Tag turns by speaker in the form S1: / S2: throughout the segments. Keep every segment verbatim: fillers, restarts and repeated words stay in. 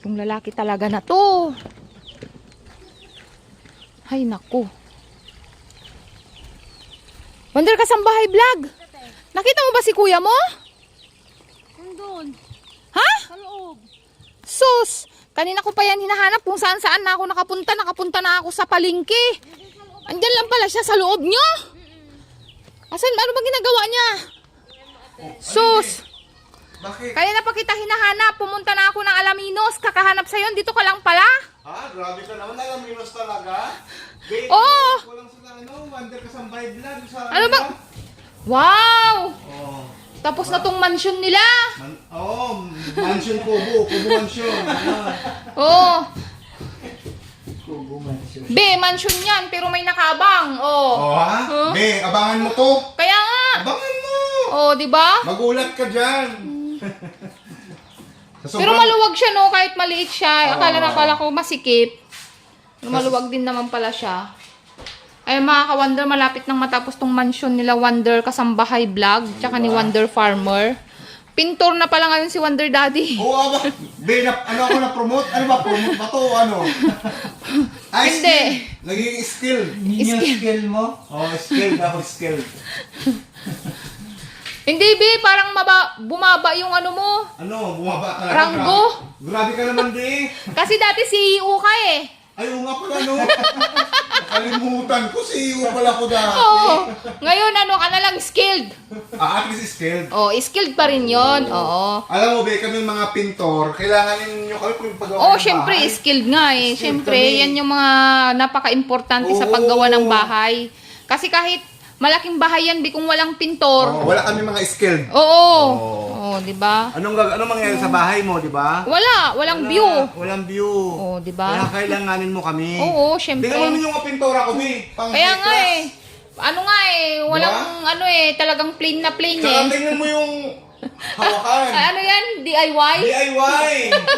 S1: Yung lalaki talaga na to. Ay, naku. Wonder Kasambahay Vlog. Nakita mo ba si kuya mo?
S2: Nandun.
S1: Ha?
S2: Sa loob.
S1: Sus! Kanina ko pa yan hinahanap kung saan saan na ako nakapunta. Nakapunta na ako sa palengke. Andyan lang pala siya sa loob nyo. Asan? Ano ba ginagawa niya? Sus!
S3: Bakit?
S1: Kaya na pa kita hinahanap. Pumunta na ako ng Alaminos. Kakahanap sa'yo. Dito ka lang pala.
S3: Ha? Grabe ka naman. Alaminos talaga? Babe,
S1: Oo.
S3: Walang sa ano, Wonder Kasambahay Vlog. Sa
S1: Ano ba? Wow!
S3: Oh.
S1: Tapos na tong mansion nila.
S3: Man oh, mansion Kubo. Kubo mansion. Ayan.
S1: Oh.
S3: Kubo mansion.
S1: Be, mansion yan. Pero may nakabang. Oh.
S3: Oh ha?
S1: Huh?
S3: Be, abangan mo to.
S1: Kaya nga.
S3: Abangan mo.
S1: Oh, di ba?
S3: Magulat ka dyan. Sa
S1: Pero
S3: sobrang-
S1: maluwag siya, no? Kahit maliit siya. Akala na
S3: Oo.
S1: akala ko masikip. Pero maluwag din naman pala siya. Ay, mga ka-Wonder, malapit nang matapos tong mansion nila Wonder Kasambahay Vlog. Tsaka ni Wonder Farmer. Pintor na pala ngayon si Wonder Daddy.
S3: Oo, aba. Be, na, ano ako na-promote? Ano ba? Promote ba to o ano? Ay,
S1: Hindi.
S3: skill. Naging skill.
S4: Yun yung skill mo?
S3: Oh, skill. Ako skill.
S1: Hindi, be. Parang maba, bumaba yung ano mo.
S3: Ano, bumaba ka lang.
S1: Ranggo.
S3: Grabe, grabe ka naman, Be.
S1: Kasi dati C E O ka eh.
S3: Ay, oo nga pala, no? Nakalimutan ko, si iyo pala ko dati.
S1: Oo. Ngayon, ano ka na lang, skilled.
S3: Ah, at least skilled.
S1: Oh, skilled pa rin yon. Oo.
S3: Alam mo, Be, kami mga pintor, kailangan ninyo kami kung paggawa
S1: Oo,
S3: ng
S1: syempre,
S3: bahay.
S1: skilled nga eh.
S3: Skilled
S1: Syempre,
S3: kami.
S1: yan yung mga napaka-importante sa
S3: Oo.
S1: paggawa ng bahay. Kasi kahit malaking bahay yan, di kung walang pintor.
S3: Oh, wala kami mga skilled.
S1: Oo.
S3: Oo.
S1: Oo, di ba?
S3: Anong, gag- anong mangyayari sa bahay mo, di ba?
S1: Wala, walang view.
S3: Walang view.
S1: Oo, di ba?
S3: Kaya kailanganin mo kami.
S1: Oo, syempre.
S3: Tingnan mo naman yung mga pintora ko, Be. Pang
S1: Kaya nga
S3: class.
S1: eh. Ano nga eh, walang ano eh, talagang plain na plain eh.
S3: Tsaka tingnan mo yung hawakan.
S1: Ay, ano yan? D I Y?
S3: D I Y!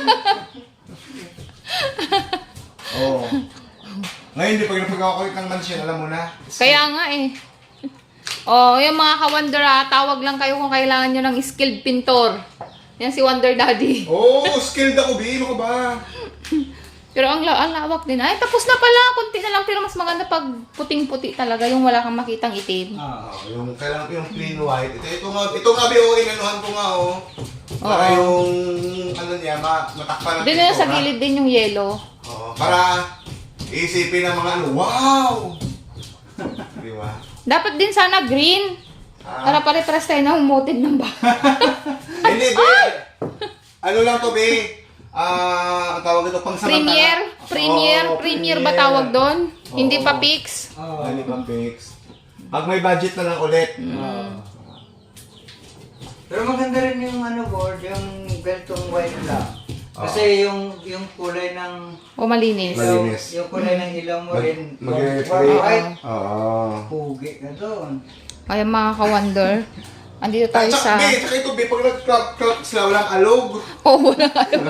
S3: Oo. Ngayon, di pag napagawa ko ng mansion, alam mo na.
S1: Kaya nga eh. Oh, yung mga ka-Wonder ah, tawag lang kayo kung kailangan nyo ng skilled pintor. Yan si Wonder Daddy.
S3: Oo, oh, skilled ako, Be. Ano ka ba?
S1: Pero ang, la ang lawak din. Ay, tapos na pala. Kunti na lang. Pero mas maganda pag puting-puti talaga. Yung wala kang makitang itim.
S3: Ah, yung kailangan ko yung plain white. Ito, ito nga, ito nga, Be, oh, inanuhan ko nga, oh. Para
S1: Oo.
S3: yung, ano niya, ma matakpan ng
S1: Din na sa
S3: pintura.
S1: gilid din yung yellow.
S3: Oo, para isipin ng mga ano, wow! Di ba?
S1: Dapat din sana green.
S3: Ah.
S1: Para pare-pares tayo ng motive ng bahay.
S3: Hindi, Be. Ano lang to, Be? Ah, ang tawag ito, pang
S1: Premier? Premier?
S3: Oo,
S1: Premier ba tawag doon?
S3: Oo.
S1: Hindi pa fix?
S4: Oo.
S3: Hindi pa fix. Pag may budget na lang ulit.
S4: Oo. Pero maganda rin yung ano board, yung beltong white lang. Kasi yung yung kulay ng
S1: O malinis?
S3: Mali-
S4: ilaw,
S3: Malinis.
S4: yung kulay ng ilaw mo
S3: Mag-
S4: rin.
S3: mag-reflect.
S4: white.
S3: Oo.
S4: Pugi ka doon.
S1: Kaya mga ka-Wonder, andito tayo
S3: At
S1: sa...
S3: saka, Be, tsaka ito, Be, pag nag-crack sila, walang alog.
S1: Oh, wala.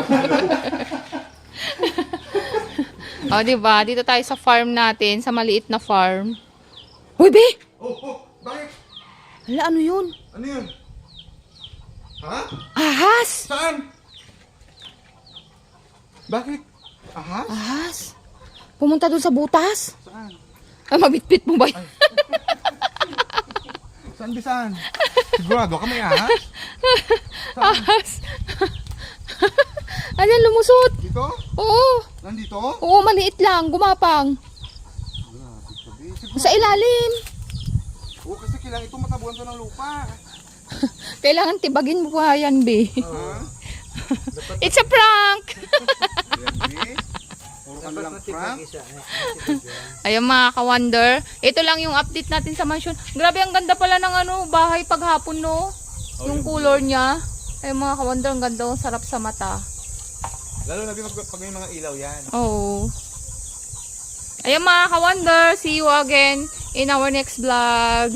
S1: O, diba? Dito tayo sa farm natin, sa maliit na farm. Uy, Be!
S3: Oh, oh, bakit?
S1: Hala, ano yun?
S3: Ano yun? Ha?
S1: Ahas!
S3: Saan? Bakit? Aha?
S1: Ahas? Pumunta dun sa butas?
S3: Saan?
S1: Ay, mabitbit mo ba yun?
S3: Saan, Be, saan? Sigurado ka may ahas?
S1: Ahas! Ayan, lumusot!
S3: Dito?
S1: Oo!
S3: Nandito?
S1: Oo, maliit lang, gumapang. Sa ilalim.
S3: Oo, kasi kailangan ito matabuhan to ng lupa.
S1: Kailangan tibagin mo pa yan, Be.
S3: Ha?
S1: It's a prank!
S3: Yan, Be. Puro kami lang prank.
S4: Isa, eh.
S1: Ayun mga ka-Wonder, ito lang yung update natin sa mansion. Grabe, ang ganda pala ng ano, bahay paghapon, no? Yung color niya. Ayun mga ka-Wonder, ang ganda, ang sarap sa mata.
S3: Lalo na, Be, pag pag may mga ilaw yan.
S1: Oo. Ayun mga ka-Wonder, see you again in our next vlog.